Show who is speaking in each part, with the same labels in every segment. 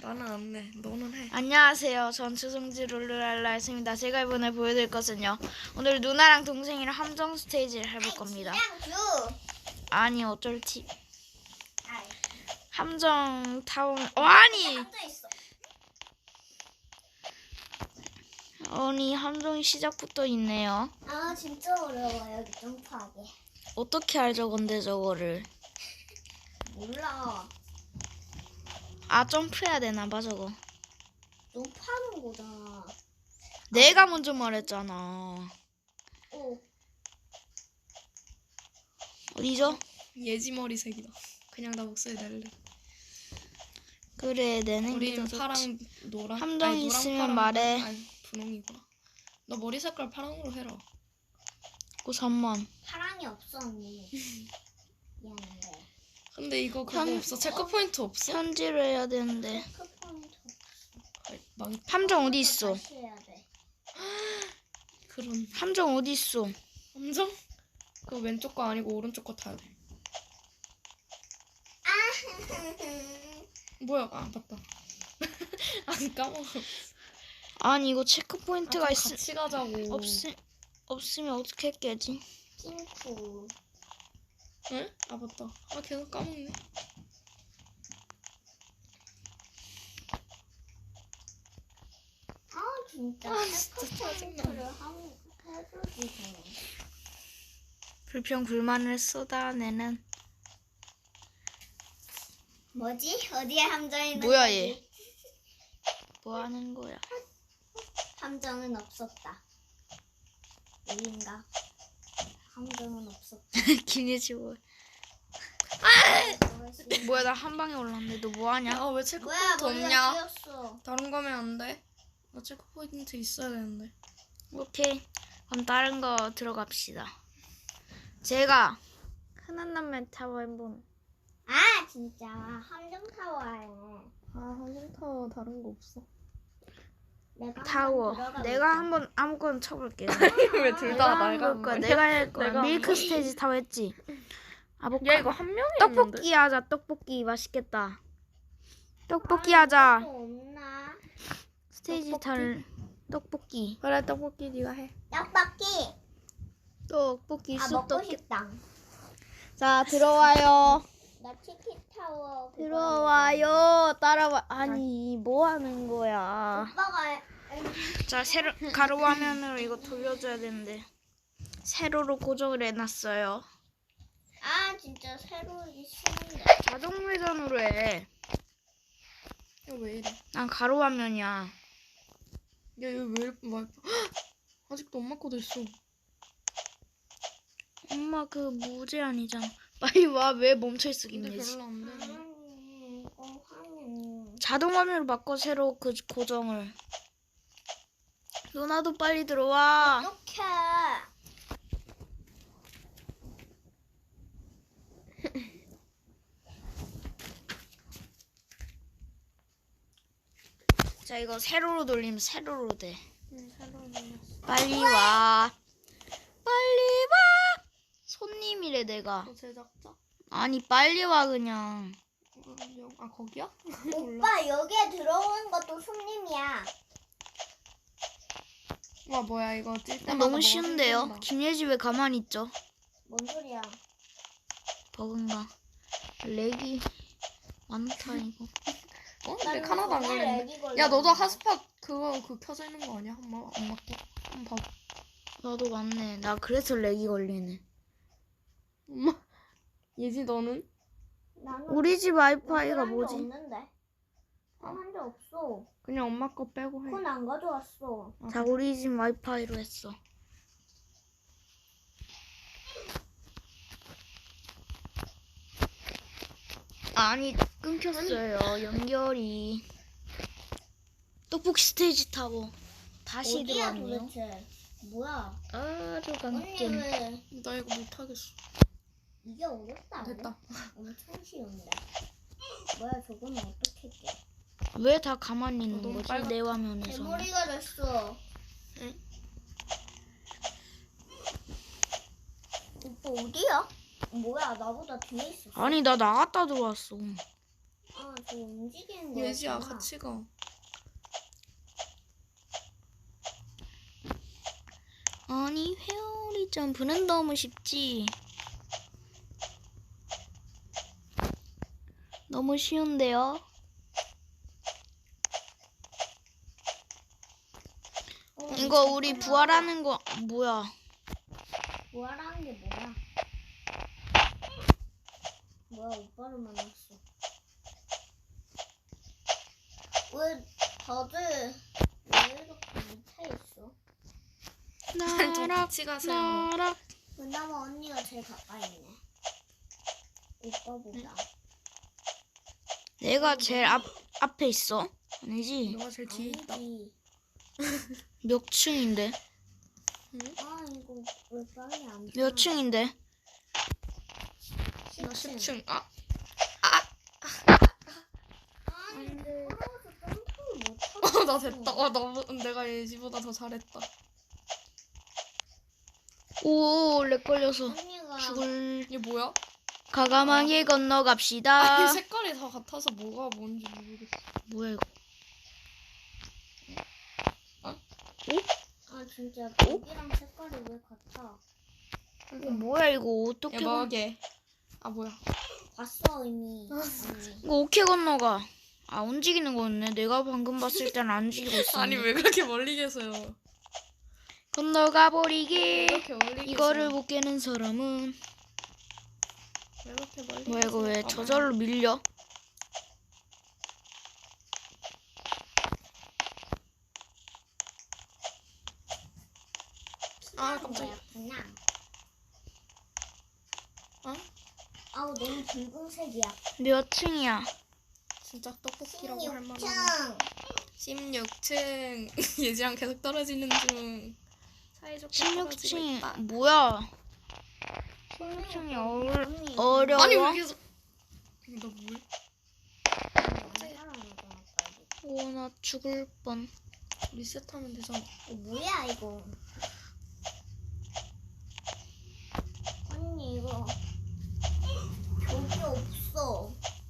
Speaker 1: 나는 안 해. 너는 해.
Speaker 2: 안녕하세요. 전 추성지 룰루랄라였습니다. 제가 이번에 보여드릴 것은요. 오늘 누나랑 동생이랑 함정 스테이지를 해볼 겁니다. 아니 어쩔지. 함정 타운. 아니 함정이 시작부터 있네요.
Speaker 3: 아 진짜 어려워 여기 점프하기.
Speaker 2: 어떻게 알죠 근데 저거를.
Speaker 3: 몰라.
Speaker 2: 아 점프해야 되나봐 저거.
Speaker 3: 점프하는 거잖아.
Speaker 2: 내가 먼저 말했잖아. 어디죠?
Speaker 1: 예지 머리색이다. 그냥 나 목소리 낼래.
Speaker 2: 그래 내는 게
Speaker 1: 우린
Speaker 2: 더
Speaker 1: 파랑
Speaker 2: 좋지.
Speaker 1: 노랑.
Speaker 2: 함정이
Speaker 1: 아니, 노랑,
Speaker 2: 있으면
Speaker 1: 파랑,
Speaker 2: 말해.
Speaker 1: 아니 분홍이구나. 너 머리 색깔 파랑으로 해라.
Speaker 2: 그 3만.
Speaker 3: 사랑이 없어 언니. 미안해.
Speaker 1: 근데 이거 그거
Speaker 2: 현-
Speaker 1: 없어? 체크 포인트 없어?
Speaker 2: 현질을 해야 되는데.
Speaker 3: 체크포인트
Speaker 1: 아이, 망.
Speaker 2: 함정 어디 있어?
Speaker 3: 다시 해야 돼.
Speaker 1: 그런
Speaker 2: 함정 어디 있어?
Speaker 1: 함정? 그거 왼쪽 거 아니고 오른쪽 거 타야 돼. 뭐야? 아 맞다. 아니 까먹어.
Speaker 2: 아니 이거 체크 포인트가
Speaker 1: 좀 같이 가자고.
Speaker 2: 없으면 어떻게 깨지?
Speaker 3: 핑크.
Speaker 1: 응? 아 맞다. 아 계속 까먹네.
Speaker 3: 아 진짜.
Speaker 1: 아, 진짜 짜증나.
Speaker 3: 체크포인트를 해주지.
Speaker 2: 불평 불만을 쏟아내는.
Speaker 3: 뭐지? 어디에 함정이 있는
Speaker 2: 뭐야,
Speaker 3: 거지?
Speaker 2: 얘? 뭐 하는 거야?
Speaker 3: 함정은 없었다. 여긴가? 함정은 없었다.
Speaker 2: 김예지 뭐?
Speaker 3: 뭐야?
Speaker 2: 뭐야 나 한 방에 올랐는데 너 뭐 하냐?
Speaker 1: 아 왜 체크
Speaker 3: 뭐야?
Speaker 1: 포인트
Speaker 3: 머리가
Speaker 1: 없냐?
Speaker 3: 쥐었어.
Speaker 1: 다른 거면 안 돼? 나 체크 포인트 있어야 되는데.
Speaker 2: 오케이 그럼 다른 거 들어갑시다. 제가 흔한 남매 타워 한번.
Speaker 3: 아 진짜 함정 타워에
Speaker 1: 아 함정타워 다른 거 없어?
Speaker 3: 내가
Speaker 2: 타워.
Speaker 3: 한번 들어가
Speaker 2: 내가
Speaker 3: 볼게.
Speaker 2: 한번 아무거나 쳐볼게.
Speaker 1: 왜 둘
Speaker 2: 내가
Speaker 1: 다
Speaker 2: 할
Speaker 1: 날가?
Speaker 2: 거야. 내가 할 거야.
Speaker 1: 내가
Speaker 2: 밀크 스테이지 타워 했지. 아보카.
Speaker 1: 야 이거 한 명이
Speaker 2: 떡볶이 하자. 떡볶이 맛있겠다. 떡볶이 하자.
Speaker 3: 또 없나?
Speaker 2: 스테이지 탈 떡볶이.
Speaker 1: 그래 떡볶이 네가 해.
Speaker 3: 떡볶이.
Speaker 2: 떡볶이
Speaker 3: 아 먹고
Speaker 2: 쑥떡볶이.
Speaker 3: 싶다.
Speaker 2: 자 들어와요.
Speaker 3: 나 치킨 타워. 그거
Speaker 2: 들어와요. 따라와. 아니 뭐 하는 거야?
Speaker 3: 오빠가
Speaker 2: 자 세로 가로 화면으로 이거 돌려줘야 되는데 세로로 고정을 해놨어요.
Speaker 3: 아 진짜 새로 있는데.
Speaker 2: 자동 회전으로 해.
Speaker 1: 야 왜 이래?
Speaker 2: 난 가로 화면이야.
Speaker 1: 야 이거 왜 이렇게 막 아직도 엄마 거도 있어.
Speaker 2: 엄마 그 무제한이잖아. 빨리 와. 왜 멈춰있어
Speaker 1: 근데
Speaker 2: 김예지.
Speaker 1: 별로 안 돼.
Speaker 3: 화면.
Speaker 2: 자동 화면으로 바꿔 세로 그 고정을. 누나도 빨리 들어와.
Speaker 3: 어떡해.
Speaker 2: 자 이거 세로로 돌리면 세로로 돼.
Speaker 1: 응 새로 눌렀어.
Speaker 2: 빨리 와. 빨리 와. 손님이래 내가.
Speaker 1: 너 제작자?
Speaker 2: 아니 빨리 와 그냥.
Speaker 1: 아 거기야?
Speaker 3: 오빠 여기에 들어오는 것도 손님이야.
Speaker 1: 와 뭐야 이거 찔 때마다
Speaker 2: 너무
Speaker 1: 뭐가
Speaker 2: 쉬운데요.
Speaker 1: 생긴다.
Speaker 2: 김예지 왜 가만히 있죠?
Speaker 3: 뭔 소리야?
Speaker 2: 버그인가? 렉이 많다 이거.
Speaker 1: 어? 근데 하나도 안 걸리는데.
Speaker 3: 렉이 걸려.
Speaker 1: 야 너도 핫스팟 그거 켜져 있는 거 아니야? 엄마 거? 한번 봐봐.
Speaker 2: 나도 맞네. 나 그래서 렉이 걸리네.
Speaker 1: 엄마 예지 너는?
Speaker 3: 나는
Speaker 2: 우리 집 와이파이가
Speaker 3: 한게
Speaker 2: 뭐지?
Speaker 3: 없는데. 한게 없어.
Speaker 1: 그냥 엄마 거 빼고 해.
Speaker 3: 그건 안 가져왔어.
Speaker 2: 자 우리 집 와이파이로 했어. 아니 끊겼어요. 연결이. 떡볶이 스테이지 타고 다시
Speaker 3: 어디야
Speaker 2: 들어왔네요.
Speaker 3: 도대체? 뭐야?
Speaker 2: 아주
Speaker 3: 언니
Speaker 2: 강점.
Speaker 3: 왜
Speaker 1: 나 이거 못하겠어.
Speaker 3: 이게 어렵다?
Speaker 1: 됐다.
Speaker 3: 엄청 쉬운데. 뭐야 저거는 어떻게 깨?
Speaker 2: 왜 다 가만히 있는
Speaker 1: 너무
Speaker 2: 거지?
Speaker 1: 빨갛다.
Speaker 2: 내 화면에서.
Speaker 3: 대머리가 됐어.
Speaker 1: 응?
Speaker 3: 오빠 어디야? 뭐야 나보다 뒤에 있었어.
Speaker 2: 아니 나 나갔다 들어왔어.
Speaker 3: 아, 저 움직이는 거.
Speaker 1: 예지야 같이 가.
Speaker 2: 아니 회오리 점프는 너무 쉽지. 너무 쉬운데요. 이거 우리 부활하는 거 뭐야?
Speaker 3: 부활하는 게 뭐야? 뭐야, 오빠를 만났어. 왜 다들 왜 이렇게 밑에 있어?
Speaker 1: 좀
Speaker 2: 나락
Speaker 1: 같이 가세요.
Speaker 2: 나락.
Speaker 3: 그나마 언니가 제일 가까이 있네. 오빠보다.
Speaker 2: 내가 제일 앞에 있어. 아니지?
Speaker 1: 너가 제일 뒤에 있다.
Speaker 3: 아니지.
Speaker 2: 몇 층인데?
Speaker 3: 아, 이거 왜 빨리 안
Speaker 2: 몇 층인데?
Speaker 1: 나 10층. 아
Speaker 3: 아니, 걸어서 점프를 못하고.
Speaker 1: 나 됐다. 내가 예지보다 더 잘했다.
Speaker 2: 오, 렉 걸려서
Speaker 3: 언니가
Speaker 2: 죽을.
Speaker 1: 이게 뭐야?
Speaker 2: 과감하게 건너갑시다.
Speaker 1: 아니 색깔이 다 같아서 뭐가 뭔지 모르겠어.
Speaker 2: 뭐야 이거?
Speaker 3: 아, 진짜 여기랑 색깔이 왜 같아?
Speaker 2: 이거 뭐야 이거 어떻게?
Speaker 1: 야마하게. 아 뭐야?
Speaker 3: 봤어 이미. 언니.
Speaker 2: 이거 어떻게 건너가? 아 움직이는 거였네. 내가 방금 봤을 때는 안 움직이고 있어.
Speaker 1: 아니 왜 그렇게 멀리 계세요?
Speaker 2: 건너가
Speaker 1: 왜
Speaker 2: 버리기.
Speaker 1: 그렇게 멀리 계세요?
Speaker 2: 이거를 못 깨는 사람은
Speaker 1: 왜 그렇게 멀리
Speaker 2: 뭐야 이거 왜
Speaker 1: 계세요?
Speaker 2: 저절로 밀려?
Speaker 1: 아 깜짝이야.
Speaker 3: 그냥.
Speaker 1: 어?
Speaker 3: 아우 너무 붉은색이야.
Speaker 2: 몇 층이야?
Speaker 1: 진짜 떡볶이라고 할 만한.
Speaker 3: 16층.
Speaker 1: 16층. 예지랑 계속 떨어지는 중. 사이좋게 떨어지고
Speaker 2: 16층
Speaker 1: 있다.
Speaker 2: 뭐야? 16층이 어려워?
Speaker 1: 아니 왜 계속? 너 뭘?
Speaker 2: 오, 나 죽을 뻔.
Speaker 1: 리셋하면 되잖아.
Speaker 3: 뭐야 이거? 언니 이거 저기 없어.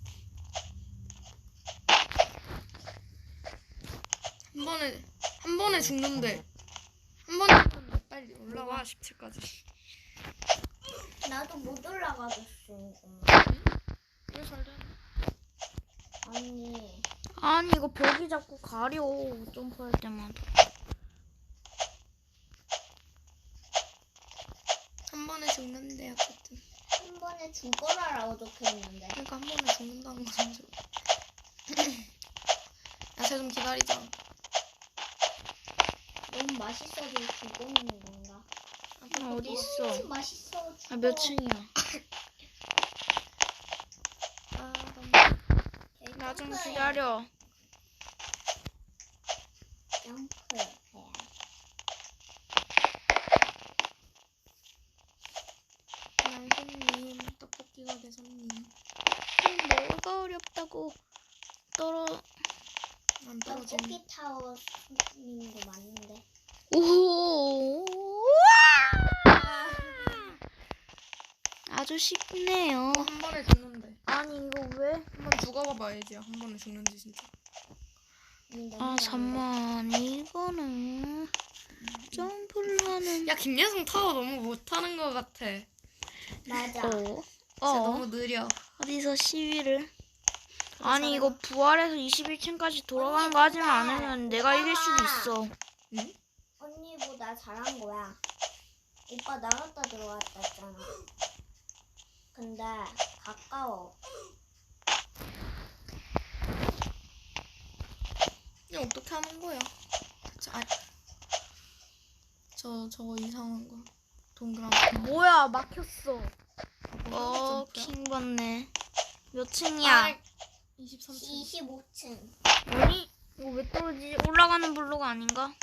Speaker 1: 한 번에 죽는데. 한 번에 죽는데 빨리 올라와 17까지.
Speaker 3: 나도 못 올라가겠어 이거.
Speaker 1: 왜 잘 되나?
Speaker 3: 언니.
Speaker 2: 아니 이거 벽이 자꾸 가려 점프할 때마다.
Speaker 1: 한 번에 죽는데 어쨌든.
Speaker 3: 한 번에 죽어라라고 적혀있는데.
Speaker 1: 그러니까 한 번에 죽는다는 거잖아. 야쟤 좀 기다리자.
Speaker 3: 너무 맛있어서 죽어있는 건가?
Speaker 2: 어디 있어?
Speaker 3: 너무 맛있어 죽어.
Speaker 2: 아 몇 층이야?
Speaker 1: 아 너무.
Speaker 2: 나 좀 기다려.
Speaker 3: 점프해야
Speaker 1: 그냥 손님 떡볶이 가게 손님.
Speaker 2: 뭐가 어렵다고
Speaker 1: 안 떨어지네.
Speaker 3: 떡볶이 타워 님도 맞는데.
Speaker 2: 오. 아주 쉽네요.
Speaker 1: 한 번에 죽는데.
Speaker 2: 아니 이거 왜?
Speaker 1: 한 번 죽어봐봐야지. 한 번에 죽는지 진짜.
Speaker 2: 아 잠만 이거는 점프를 하는.
Speaker 1: 야 김예성 타워 너무 못하는 것 같아.
Speaker 3: 맞아.
Speaker 1: 진짜 너무 느려.
Speaker 2: 어디서 시위를? 아니 이거 부활해서 21층까지 돌아가는 거 하지만 않으면 내가 이길 수도 있어.
Speaker 1: 응?
Speaker 3: 언니보다 잘한 거야. 오빠 나갔다 들어갔다 했잖아. 근데 가까워.
Speaker 1: 그냥 어떻게 하는 거야? 저거 이상한 거. 동그란
Speaker 2: 뭐야 막혔어.
Speaker 1: 거.
Speaker 2: 킹 받네. 몇 층이야?
Speaker 1: 23층.
Speaker 3: 25층.
Speaker 2: 아니 이거 왜 떨어지지? 올라가는 블록 아닌가?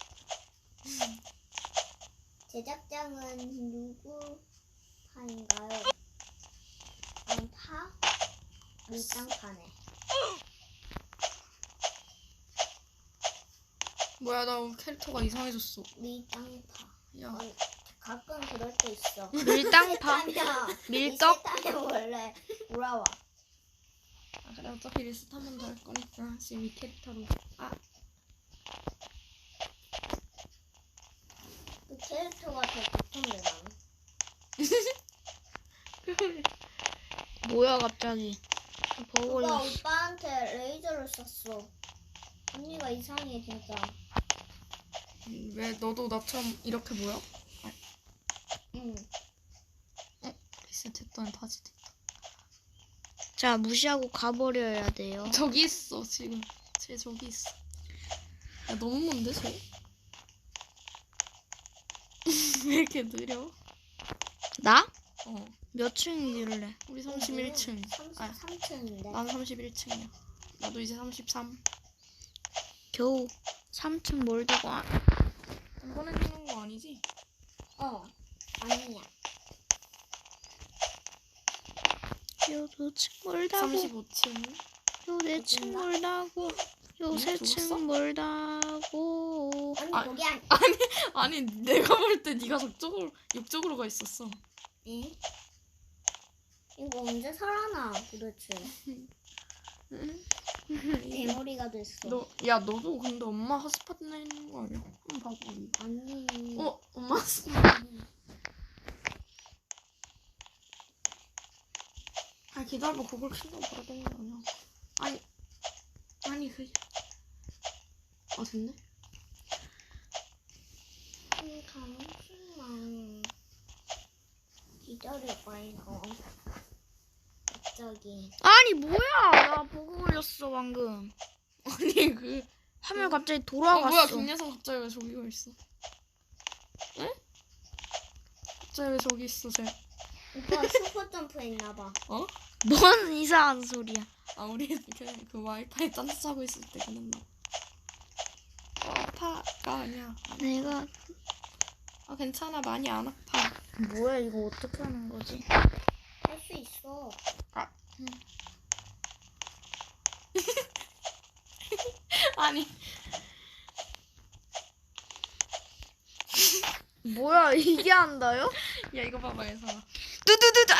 Speaker 3: 제작장은 누구 파인가요? 파? 밀당파네.
Speaker 1: 뭐야 나 캐릭터가 이상해졌어.
Speaker 3: 밀당파.
Speaker 1: 야.
Speaker 3: 가끔 그럴 때 있어.
Speaker 2: 밀당파. 밀떡?
Speaker 3: 밀떡? 밀떡 원래 돌아와.
Speaker 1: 아, 그래 나 어차피 리스트 한 번 더 할 거니까 지금 이 캐릭터로. 아,
Speaker 3: 그 캐릭터가 더 좋던데 나는.
Speaker 2: 뭐야 갑자기? 버그
Speaker 3: 누가
Speaker 2: 걸렸어.
Speaker 3: 오빠한테 레이저를 쐈어. 언니가 이상해 진짜.
Speaker 1: 왜 너도 나처럼 이렇게 보여?
Speaker 3: 응.
Speaker 1: 리스트 됐더니 다시 됐다.
Speaker 2: 자 무시하고 가버려야 돼요.
Speaker 1: 저기 있어 지금. 쟤 저기 있어. 야 너무 먼데 쟤? 왜 이렇게 느려?
Speaker 2: 나?
Speaker 1: 어.
Speaker 2: 몇 층이길래?
Speaker 1: 우리 31층. 아,
Speaker 3: 33층인데.
Speaker 1: 나는 31층이야. 나도 이제 33.
Speaker 2: 겨우 3층 몰다고 안.
Speaker 1: 한 번에 죽는 거 아니지?
Speaker 3: 아니야.
Speaker 2: 요 2층 몰다고.
Speaker 1: 35층.
Speaker 2: 요 4층 몰다고. 요
Speaker 1: 죽었어?
Speaker 2: 3층 몰다고.
Speaker 3: 언니
Speaker 1: 아,
Speaker 3: 거기 안.
Speaker 1: 아니 내가 볼 때 네가 옆쪽으로 가 있었어.
Speaker 3: 응? 이거 언제 살아나 도대체. 대머리가 됐어.
Speaker 1: 야 너도 근데 엄마 핫스팟 내는 거 아니야? 한번 봐봐.
Speaker 3: 아니.
Speaker 1: 엄마 핫스팟. 아 기다려봐. 그걸 킨다고 봐야 되는 거 아니야? 아니 그게. 아 됐네.
Speaker 3: 잠시만. 기다려봐 이거. 갑자기.
Speaker 2: 아니 뭐야? 나 버그 걸렸어 방금.
Speaker 1: 아니 그.
Speaker 2: 화면 갑자기
Speaker 1: 아
Speaker 2: 돌아갔어.
Speaker 1: 뭐야 김예성 갑자기 왜 저기 가 있어? 응? 갑자기 왜 저기 있어 쟤?
Speaker 3: 오빠 슈퍼 점프 했나봐.
Speaker 1: 어?
Speaker 2: 뭔 이상한 소리야.
Speaker 1: 아 우리 그 와이파이 딴짓 하고 있을 때 그랬나? 아파가 아니야.
Speaker 2: 내가
Speaker 1: 아 괜찮아 많이 안 아파.
Speaker 2: 뭐야 이거 어떻게 하는 거지?
Speaker 3: 할 수 있어.
Speaker 1: 아니
Speaker 2: 뭐야 이게 한다요?
Speaker 1: 야 이거 봐봐 예성아.
Speaker 2: 두두두두.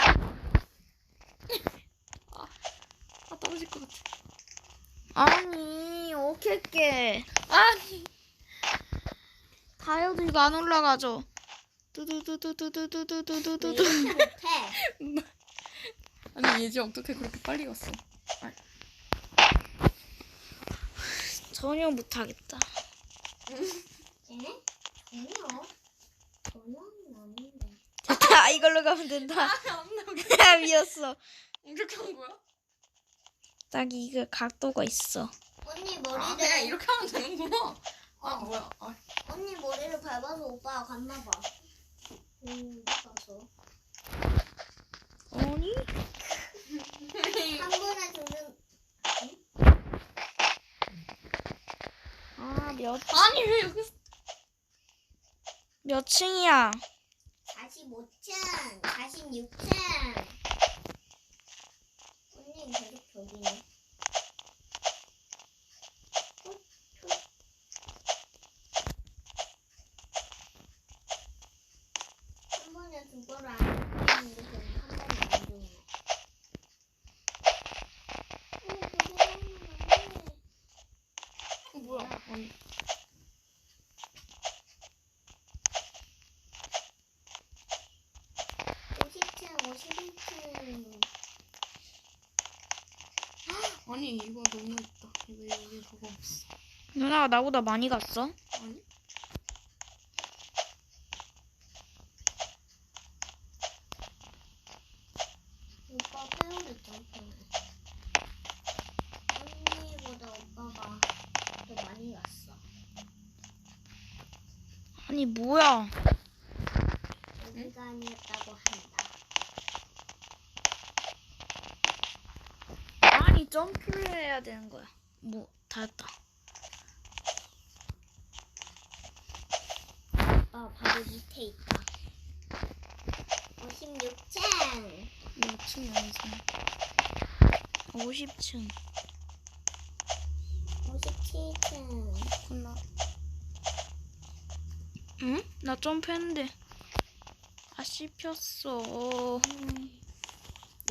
Speaker 1: 아 떨어질 것 같아.
Speaker 2: 아니 어떻게
Speaker 1: 아니
Speaker 2: 다이어도 이거 안 올라가죠?
Speaker 3: 왜
Speaker 2: 두두두두두두두두두두.
Speaker 3: 이렇게 못해?
Speaker 1: 아니 예지 어떻게 그렇게 빨리 갔어?
Speaker 2: 전혀 못하겠다.
Speaker 3: 에? 전혀? 전혀는 아닌데.
Speaker 2: 됐다 이걸로 가면 된다.
Speaker 1: 안 나오게.
Speaker 2: 미웠어.
Speaker 1: 이렇게 한 거야?
Speaker 2: 딱 이게 각도가 있어.
Speaker 3: 언니
Speaker 1: 아
Speaker 3: 머리를
Speaker 1: 그냥 이렇게 하면 되는구나. 아 뭐야? 아,
Speaker 3: 언니 머리를 밟아서 오빠가 갔나봐. 가서
Speaker 2: 아니?
Speaker 3: 한 번에 죽는.
Speaker 2: 아
Speaker 1: 아니 왜 여기?
Speaker 2: 몇 층이야?
Speaker 3: 45층, 46층. 언니 계속 저기네. 한 번에 두 번을 안 죽이는데 그냥 한 번에 안 죽네.
Speaker 1: 뭐야? 아니.
Speaker 3: 50층, 51층.
Speaker 1: 아니 이거 너무 있다. 이거 여기 저거 없어.
Speaker 2: 누나가 나보다 많이 갔어?
Speaker 1: 아니?
Speaker 3: 오빠 페어리 점프네. 언니보다 오빠가 더 많이 갔어.
Speaker 2: 아니 뭐야?
Speaker 3: 여기가 아니었다고 한다.
Speaker 2: 아니 점프를 해야 되는 거야. 뭐 다 했다.
Speaker 3: 오빠 바로 밑에 있다. 56층.
Speaker 1: 몇 층이 아니지?
Speaker 2: 50층.
Speaker 3: 57층.
Speaker 1: 끝나.
Speaker 2: 응? 나 점프했는데. 아 씹혔어.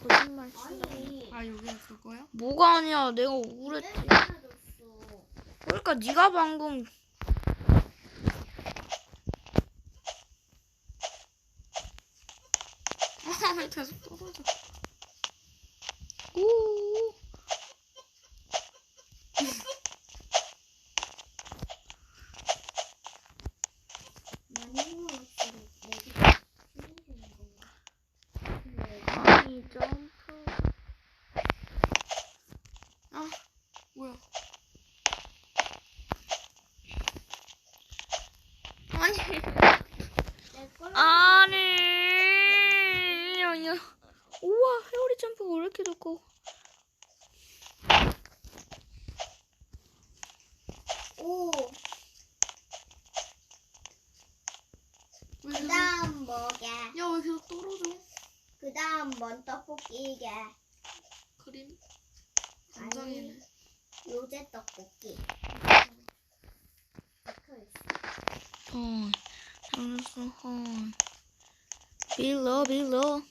Speaker 2: 거짓말 친다.
Speaker 3: 아니.
Speaker 1: 아 여기가 그거야?
Speaker 2: 뭐가 아니야? 내가 억울했지.
Speaker 3: 사라졌어.
Speaker 2: 그러니까 네가 방금
Speaker 1: 왜 계속 떨어져?
Speaker 2: 오.
Speaker 3: 많이 먹었으면 내가 힘이 되는 건가? 근데
Speaker 2: 아니 점프.
Speaker 1: 아 뭐야? 아니
Speaker 3: 내 걸로
Speaker 2: 아니. 아니야. 우와 회오리 점프가 왜 이렇게 좋고.
Speaker 3: 오.
Speaker 1: 왜 계속
Speaker 3: 그다음 뭐게?
Speaker 1: 야왜 계속 떨어져?
Speaker 3: 그다음 뭔 떡볶이게?
Speaker 1: 그림? 간장이네.
Speaker 3: 요새 떡볶이. 박혀있어.
Speaker 2: 헐. 알았어 헐. 빌러.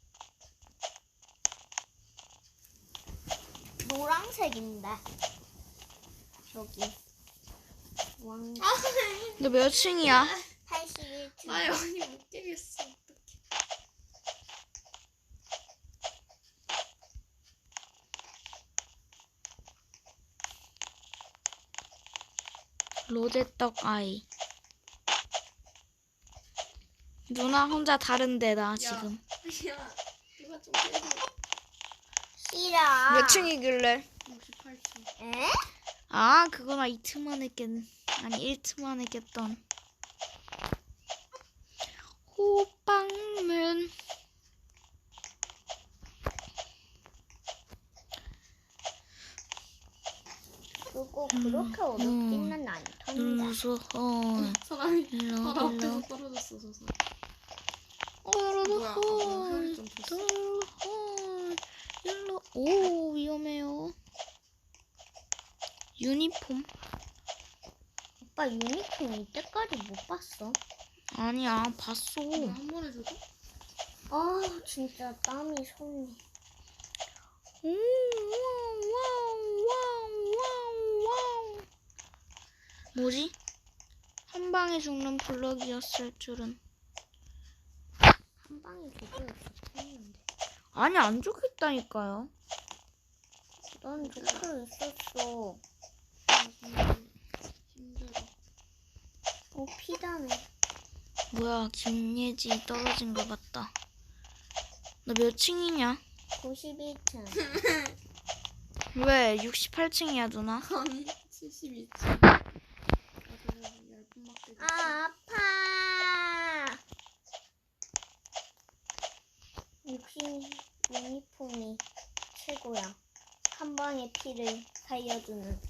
Speaker 3: 노란색인데. 저기. 왕.
Speaker 2: 너 몇 층이야?
Speaker 3: 81층.
Speaker 1: 아 여기 못 깨겠어. 어떡해.
Speaker 2: 로제떡 아이. 누나 혼자 다른 데다 지금.
Speaker 1: 야 이거 좀 깨줘.
Speaker 3: 싫어.
Speaker 2: 몇 층이길래?
Speaker 1: 68층.
Speaker 3: 에?
Speaker 2: 아 그거나 2층만 했겠. 아니 1층만 했겠던. 호빵면.
Speaker 3: 그거 그렇게 어렵지는 않던데.
Speaker 2: 눌러서 헐.
Speaker 1: 사람이
Speaker 2: 일로
Speaker 1: 바로
Speaker 2: 일로.
Speaker 1: 앞에서 떨어졌어 저 사람.
Speaker 2: 어르르
Speaker 1: 뭐야, 뭐
Speaker 2: 헐.
Speaker 1: 회오리 점프했어?
Speaker 2: 헐. 일로. 오 위험해요. 유니폼?
Speaker 3: 오빠 유니폼 이때까지 못 봤어?
Speaker 2: 아니야 봤어.
Speaker 1: 한 번 해줘도?
Speaker 3: 아 진짜 땀이 손이.
Speaker 2: 오, 와우, 와우, 와우, 와우. 뭐지? 한 방에 죽는 블럭이었을 줄은.
Speaker 3: 한 방에 죽어있었는데.
Speaker 2: 아니 안 죽겠다니까요.
Speaker 3: 넌 죽어 있었어.
Speaker 1: 아 정말 힘들어.
Speaker 3: 오 피다네.
Speaker 2: 뭐야 김예지 떨어진 것 같다. 너 몇 층이냐?
Speaker 3: 91층.
Speaker 2: 왜 68층이야 누나?
Speaker 1: 아니 72층. 아주 얇은 막대기.
Speaker 3: 아 아파. 육신 유니폼이 최고야. 한 방에 피를 살려주는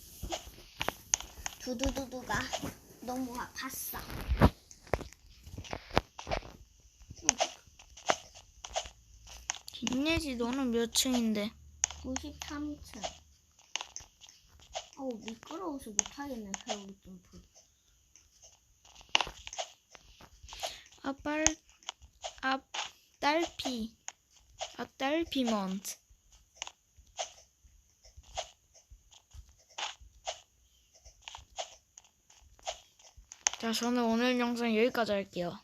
Speaker 3: 두두두두가 너무 아팠어.
Speaker 2: 김예지 너는 몇 층인데?
Speaker 3: 93층. 어우 미끄러워서 못하겠네 회오리 점프.
Speaker 2: 딸피먼트. 자 저는 오늘 영상 여기까지 할게요.